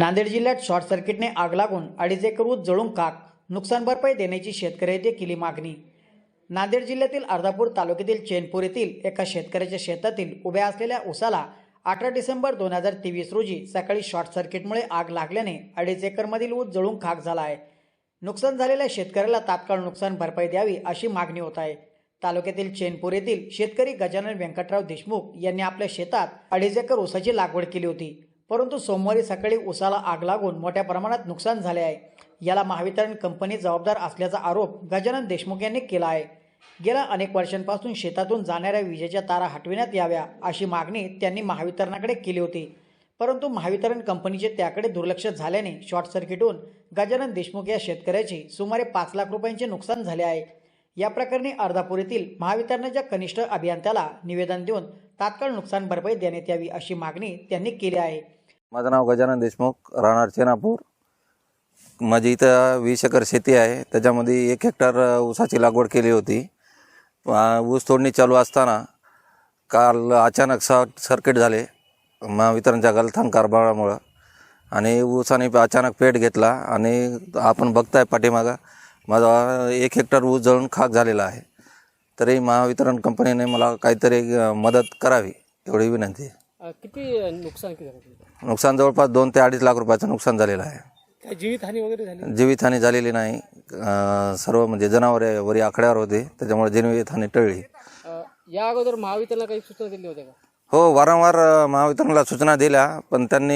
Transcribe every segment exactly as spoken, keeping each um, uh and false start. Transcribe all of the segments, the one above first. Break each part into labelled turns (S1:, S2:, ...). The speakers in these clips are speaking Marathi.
S1: नांदेड जिल्ह्यात शॉर्ट सर्किटने आग लागून अडीच एकर ऊस जळून खाक, नुकसान भरपाई देण्याची शेतकऱ्यांची केली मागणी। नांदेड जिल्ह्यातील अर्धापूर तालुक्यातील चैनपूर येथील एका शेतकऱ्याच्या शेतातील उभ्या असलेल्या ऊसाला अठरा डिसेंबर दोन हजार तेवीस रोजी सकाळी शॉर्ट सर्किटमुळे आग लागल्याने अडीच एकरमधील ऊस जळून खाक झाला आहे। नुकसान झालेल्या शेतकऱ्याला तात्काळ नुकसान भरपाई द्यावी अशी मागणी होत आहे। तालुक्यातील चैनपूर येथील शेतकरी गजानन व्यंकटराव देशमुख यांनी आपल्या शेतात अडीच एकर ऊसाची लागवड केली होती, परंतु सोमवारी सकाळी ऊसाला आग लागून मोठ्या प्रमाणात नुकसान झाले आहे। याला महावितरण कंपनी जबाबदार असल्याचा आरोप गजानन देशमुख यांनी केला आहे। गेल्या अनेक वर्षांपासून शेतातून जाणाऱ्या विजेच्या तारा हटविण्यात याव्या अशी मागणी त्यांनी महावितरणाकडे केली होती, परंतु महावितरण कंपनीचे त्याकडे दुर्लक्ष झाल्याने शॉर्ट सर्किट होऊन गजानन देशमुख या शेतकऱ्याचे सुमारे पाच लाख रुपयांचे नुकसान झाले आहे। या प्रकरणी अर्धापूर येथील महावितरणाच्या कनिष्ठ अभियंत्याला निवेदन देऊन तात्काळ नुकसान भरपाई देण्यात यावी अशी मागणी त्यांनी केली आहे।
S2: माझं नाव गजानन देशमुख, राहणार चैनापूर। माझी इथं वीस एकर शेती आहे, त्याच्यामध्ये एक हेक्टर ऊसाची लागवड केली होती। ऊस तोडणी चालू असताना काल अचानक शॉर्ट सर्किट झाले महावितरणच्या गलथान कारभारामुळं, आणि ऊसाने अचानक पेट घेतला आणि आपण बघताय पाठीमागं माझा एक हेक्टर ऊस जळून खाक झालेला आहे। तरी महावितरण कंपनीने मला काहीतरी मदत करावी एवढी विनंती आहे।
S3: किती नुकसान किती झालं?
S2: नुकसान जवळपास दोन ते अडीच लाख रुपयाचं नुकसान झालेलं आहे।
S3: काय जीवितहानी वगैरे झाली?
S2: जीवितहानी झालेली नाही, सर्व म्हणजे जनावरे वरी आकड्यावर होते, त्याच्यामुळे जीवितहानी टळली।
S3: या अगोदर महावितरणला काही सूचना दिली होत्या का?
S2: हो, वारंवार महावितरणला सूचना दिल्या, पण त्यांनी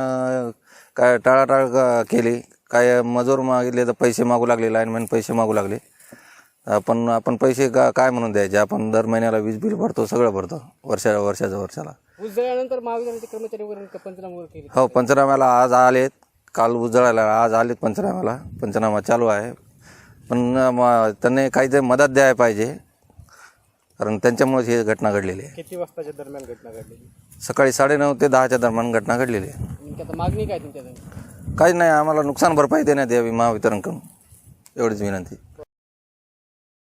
S2: काय टाळाटाळ केली। काय मजूर मागितले तर पैसे मागू लागले, लाईनमॅन पैसे मागू लागले। आपण आपण पैसे का काय म्हणून द्यायचे? आपण दर महिन्याला वीज बिल भरतो, सगळं भरतो वर्षा वर्षाच्या वर्षाला।
S3: ऊस जळल्यानंतर महावितरणचे कर्मचारी वगैरे पंचनामा वगैरे केले?
S2: हो, पंचनाम्याला आज आलेत, काल ऊस जळायला आज आलेत पंचनाम्याला, पंचनामा चालू आहे। पण त्यांनी काहीतरी मदत द्यायला पाहिजे, कारण त्यांच्यामुळेच ही घटना घडलेली आहे।
S3: किती वाजताच्या दरम्यान घटना घडलेली?
S2: सकाळी साडेनऊ ते दहाच्या दरम्यान घटना घडलेली आहे।
S3: आता मागणी काय तुमच्या?
S2: काहीच नाही, आम्हाला नुकसान भरपाई देण्यात यावी महावितरणकडून, एवढीच विनंती।